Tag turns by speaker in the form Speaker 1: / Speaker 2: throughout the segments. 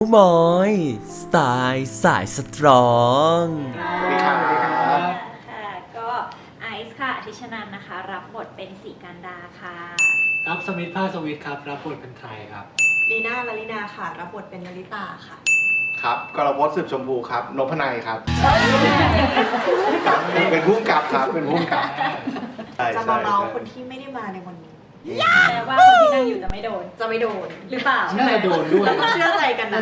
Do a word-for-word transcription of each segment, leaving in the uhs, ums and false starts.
Speaker 1: มอยสไตล์สายสตรอง
Speaker 2: สวัสดีครับ
Speaker 3: ค่ะก็ไอซ์ค่ะอธิชนันท์นะคะรับบทเป็นสีกันดาค่ะ
Speaker 4: ครับสมิธภาคสวิทครับรับบทเป็นไทยครับ
Speaker 5: ลีน่าลลินาค่ะรับบทเป็นนาริตาค่ะ
Speaker 2: ครับกรพจน์สืบชมพูครับนพนัยครับ เป็นผู้กำกับครับเป็นผู้กำกับ
Speaker 5: จะมาเมาคนที่ไม่ได้มาในวันนี้
Speaker 3: แต่ว่าคนที่นั่งอยู่จะไม่โดน
Speaker 5: จะไม่โดน
Speaker 3: หรือเปล่า
Speaker 4: น่าจะโดนด้วย
Speaker 5: เชื่อใจกันนะ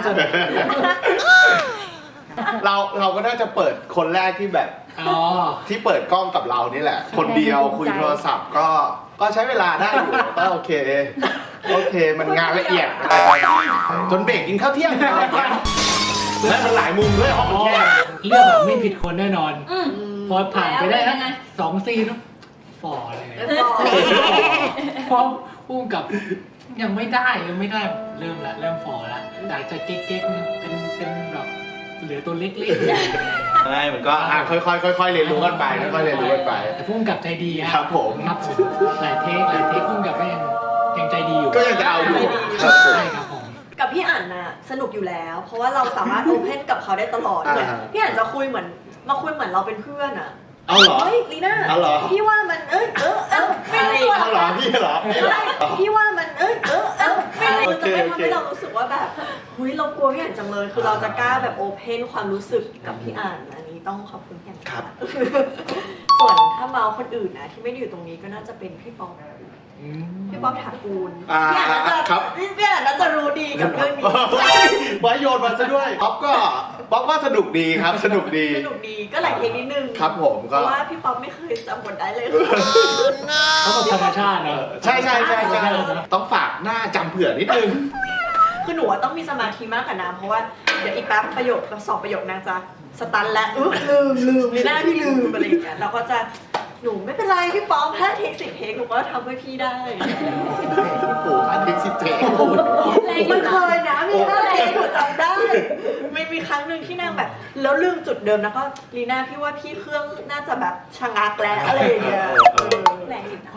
Speaker 2: เราเราก็น่าจะเปิดคนแรกที่แบบ
Speaker 4: อ๋อ
Speaker 2: ที่เปิดกล้องกับเรานี่แหละ คนเดียวคุยโทรศัพท์ก็ก็ใช้เวลาได้อยู่ก็โอเคโอเคมันงานละเอียดจนเบรกกินข้าวเที่ยงและมันหลายมุมด้วยห้องมันแคบ
Speaker 4: เลือกแบบไม่ผิดคนแน่นอน
Speaker 3: อืม
Speaker 4: พอผ่านไปได้
Speaker 3: แล้วเป็นยังไง
Speaker 4: สองซีนแล้วฝ่อเลย
Speaker 5: แล้วก็
Speaker 4: พร้อมพุ่งกับยังไม่ได้ยังไม่ได้เริ่มละเริ่มฝ่อละจากจะเก๊กๆเนี่ยเป็นเป็นแบบเหลือตัวเล็กๆ
Speaker 2: ใช่มันก็อ่ะค่อยๆค่อยๆเรียนรู้กันไปค่อยๆเรียนรู้กันไป
Speaker 4: แต่พุ่งกับใจดี
Speaker 2: ครับผม
Speaker 4: ครับผมหลายเทคหลายเทคพุ่งกับก็ยังยังใจดีอยู่
Speaker 2: ก็ยังจะเอาอยู่ครับผม
Speaker 4: ใช่ครับผม
Speaker 5: กับพี่อ่านน่ะสนุกอยู่แล้ว เพราะว่าเราสามารถโอเพนกับเขาได้ตลอดเนี่ย
Speaker 2: อ่า
Speaker 5: พี่อ่านจะคุยเหมือนมาคุยเหมือนเราเป็นเพื่อนอ่ะ
Speaker 2: เอาเหรอ
Speaker 5: เฮ้ยลีน่า
Speaker 2: เอาเหรอ
Speaker 5: พี่ว่ามันเอ้ยเออเออไม่รู้
Speaker 2: เอาเหรอพี่เหรอพี่เหรอ
Speaker 5: พี่ว่ามันเอ้ยเออเออไม่รู้
Speaker 2: โอ
Speaker 5: จะ
Speaker 2: เค
Speaker 5: ไม่
Speaker 2: โอ
Speaker 5: ทำ
Speaker 2: เค
Speaker 5: ให้เรารู้สึกว่าแบบหุยเรากลัวพี่อ่านจังเลย คือเราจะกล้าแบบโอเพนความรู้สึกกับพี่อ่านอันนี้ต้องขอบคุณพี่อ่าน
Speaker 2: ครับ
Speaker 5: ส่วนถ้าเมาคนอื่นนะที่ไม่ได้อยู่ตรงนี้ก็น่าจะเป็นพี่ป๊อป
Speaker 4: อืม
Speaker 5: พี่ป๊อปถากูล
Speaker 2: อ่า
Speaker 5: พี่อ่านน่าจะ
Speaker 2: ครับ
Speaker 5: พี่อ่านน่าจะรู้ดีกับเรื่องนี้
Speaker 2: ไว้โยนมาซะด้วยป๊อปก็ป๊อปก็สนุกดีครับ สนุกดี
Speaker 5: สนุกดีก็หลายเทคนิดนึง
Speaker 2: ครับผม
Speaker 5: เพ
Speaker 2: ก็
Speaker 5: ราะว่าพี่ป๊อปไม่เคยจำบทได้เลย
Speaker 4: เขาแบบธรรมชาติเนอะ
Speaker 2: ใช่ใช่ใช่ใช่ต้องฝากหน้าจำเผื่อนิดนึง
Speaker 5: คือหนูว่าต้องมีสมาธิมากกว่าน้ำเพราะว่าเดี๋ยวอีกแป๊บประโยคสองประโยคนางจะสตันและอึ๊บลืมลืมในหน้าพี่ลืมอะไรอย่างเงี้ยเราก็จะหนูไม่เป็นไรพี่ป๊อปห้าเทคสิบเทคหนูก็ทำให้พี่ได้
Speaker 2: โอ้โหอันทิกสิบเทค
Speaker 5: มันเคยนะมีห้าเทคหนูจำได้ไม่มีครั้งหนึ่งที่นางแบบ แล้วลืมจุดเดิมแล้วก็ลีน่าพี่ว่าพี่เครื่องน่าจะแบบชะงักแล้วอะไรอย่างเงี้ยเออแรงอยู่นะ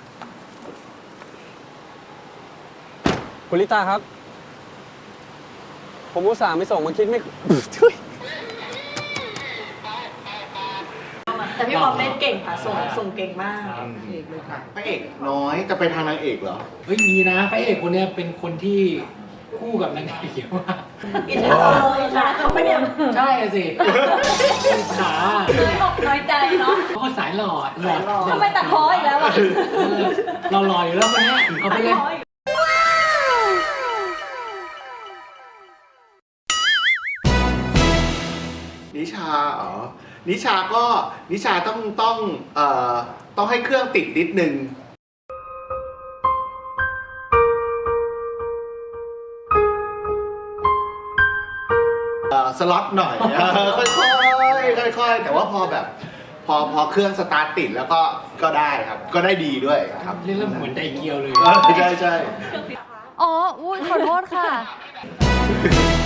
Speaker 6: คุณลิตาครับ ผมอุตส่าห์ไม่ส่งมาคิดไม่
Speaker 5: แต่พี่ป๊อปเล่นเก่งค่ะส่งส่งเก่งมาก
Speaker 2: พระเอกน้อยจะไปทางนางเอกเหรอ
Speaker 4: เฮ้ยมีนะพระเอกคนเนี้ยเป็นคนที่คู่กับนางเอกเยอะมาก
Speaker 5: อิจฉาอิจฉาเขาไม่เนี่ย
Speaker 4: ใช่สิอิจฉา
Speaker 3: บอกน้อยใจเนาะ
Speaker 4: เขาก็สายหล่อหล่อ
Speaker 3: ทำไมตัดพ้ออีกแล้วอ่ะ
Speaker 4: เออเราหล่ออยู่แล้วคนเนี้ยเขาไปเล่น
Speaker 2: นิชาอ๋อนิชาก็นิชาต้องต้องเอ่อต้องให้เครื่องติดนิดนึงเอ่อสล็อตหน่อยเออค่อยๆค่อยๆแต่ว่าพอแบบ พอพอเครื่องสตาร์ทติดแล้วก็ก็ได้ครับ ก็ได้ดีด้วยครับ
Speaker 4: เล่นแล้วเหมือนไดเกียวเลย
Speaker 2: เออใช่ใช่
Speaker 7: อ๋อ อุ้ยขอโทษค่ะ